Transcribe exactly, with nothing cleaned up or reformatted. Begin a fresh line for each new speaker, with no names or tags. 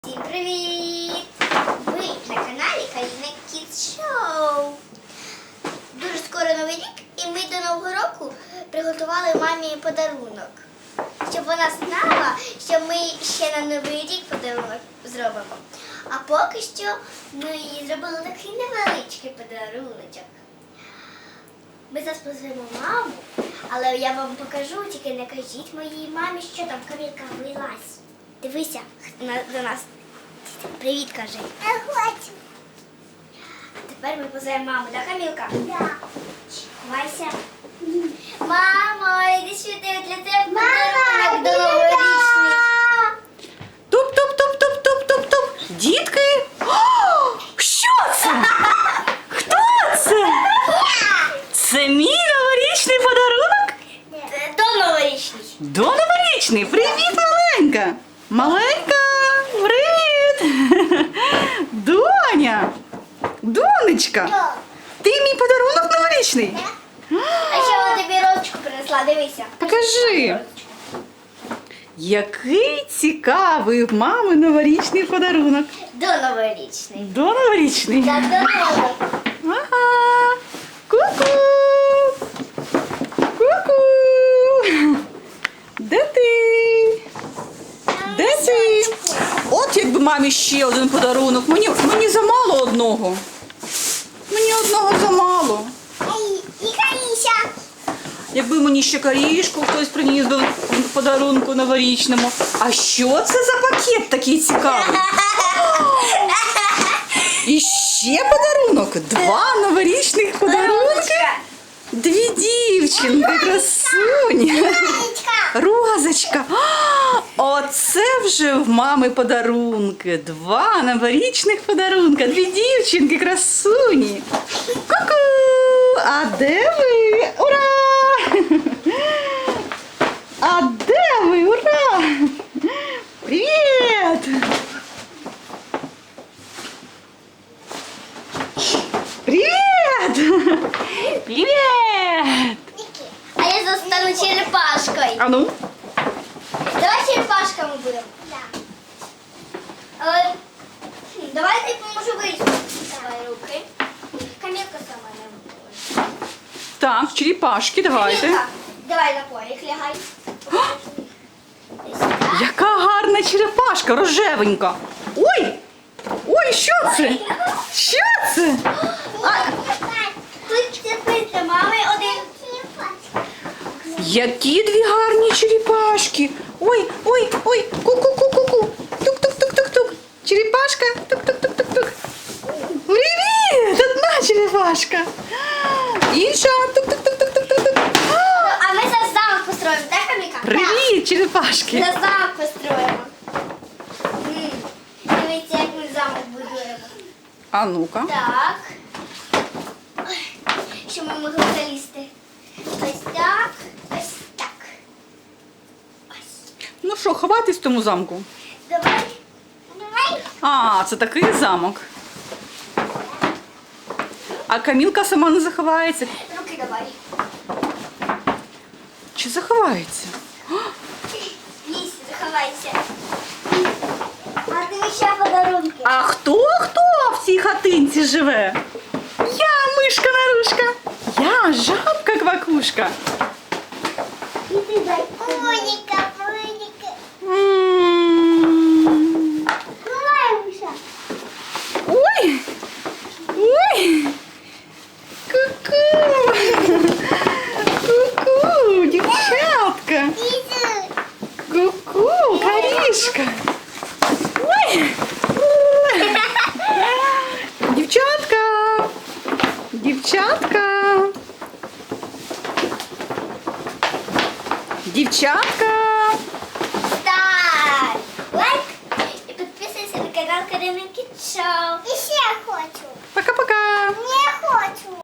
Всім привіт! Ви на каналі Каріна Kids Show. Дуже скоро Новий рік, і ми до Нового року приготували мамі подарунок. Щоб вона знала, що ми ще на Новий рік подарунок зробимо. А поки що ми їй зробили такий невеличкий подаруночок. Ми зараз позовемо маму, але я вам покажу, тільки не кажіть моїй мамі, що там Камілка вилазь. Дивися на- до нас. Привіт, кажи.
Я хочу.
А тепер ми позовемо маму, так, Камілка?
Да.
Ховайся. Мамо, іди сюди, для тебе
Мама,
подарунок до новорічний.
Туп-туп-туп-туп-туп-туп-туп. Дітки! О, що це? Хто це? Це мій новорічний подарунок?
Е, До новорічний.
До новорічний. Привіт, маленька. Маленька, привіт. Доня. Донечка.
Да.
Ти мій подарунок новорічний?
А ще вона тобі розочку принесла, дивися.
Покажи. Який цікавий в мами новорічний подарунок.
До новорічний.
До новорічний.
Так, до новорічний.
Ага. Ку-ку. Ку-ку. Де ти? Де ти? От якби мамі ще один подарунок. Мені, мені замало одного. Мені одного замало.
Ай, і Каріся.
Якби мені ще корішку хтось приніс до подарунку новорічному. А що це за пакет такий цікавий? І ще подарунок. Два новорічних подарунки.
Розочка.
Дві дівчинки, красуні.
Карічка.
Розочка. А, оце вже в мами подарунки. Два новорічних подарунка. Дві дівчинки, красуні. Ку-ку! А де ви? Ура! А де ви? Ура! Привіт! Привіт! Привіт!
А я застану черепашкою.
А ну?
Давай черепашками будемо.
Да.
Але, хм, давай я поможу вийти. Давай руки. Камілка сама не може.
Так, черепашки, давайте.
Камілка, давай на полі, лягай. Ось так.
Яка гарна черепашка, рожевенька. Ой! Ой, що це? Що це?
Тут цепи для мами один.
Які дві гарні черепашки. Ой, ой, ой, ку-ку-ку-ку-ку. Тук-тук-тук-тук-тук. Черепашка. Тук-тук-тук-тук-тук. Привіт! Одна черепашка. Інша. Тук-тук-тук-тук-тук-тук.
А ми зараз замок построїмо, так, Каміка?
Привіт, черепашки.
Зараз замок построїмо. М, Дивіться, як ми замок будуємо.
А ну-ка.
Так. Ой, щоб ми могли залізти. Ось так, ось так. Ось.
Ну що, ховатись в тому замку?
Давай. Давай.
А, це такий замок. А Камілка сама не заховається.
Руки давай.
Чи заховається?
Лізь, заховайся. А ти ще подарунки.
А хто хто в цій хатинці живе? Я мишка Нарушка. Я жабка Квакушка.
І ти дай. Моніка, Моніка.
М.
Ховаємося.
Ой! Ой! Ку-ку! Ку-ку, дівчатка!
Іди.
Ку-ку, Карішка! Ой! Дівчатка! Дівчатка! Дівчатка!
Став лайк і підписуйся на канал Каріна Kids Show.
І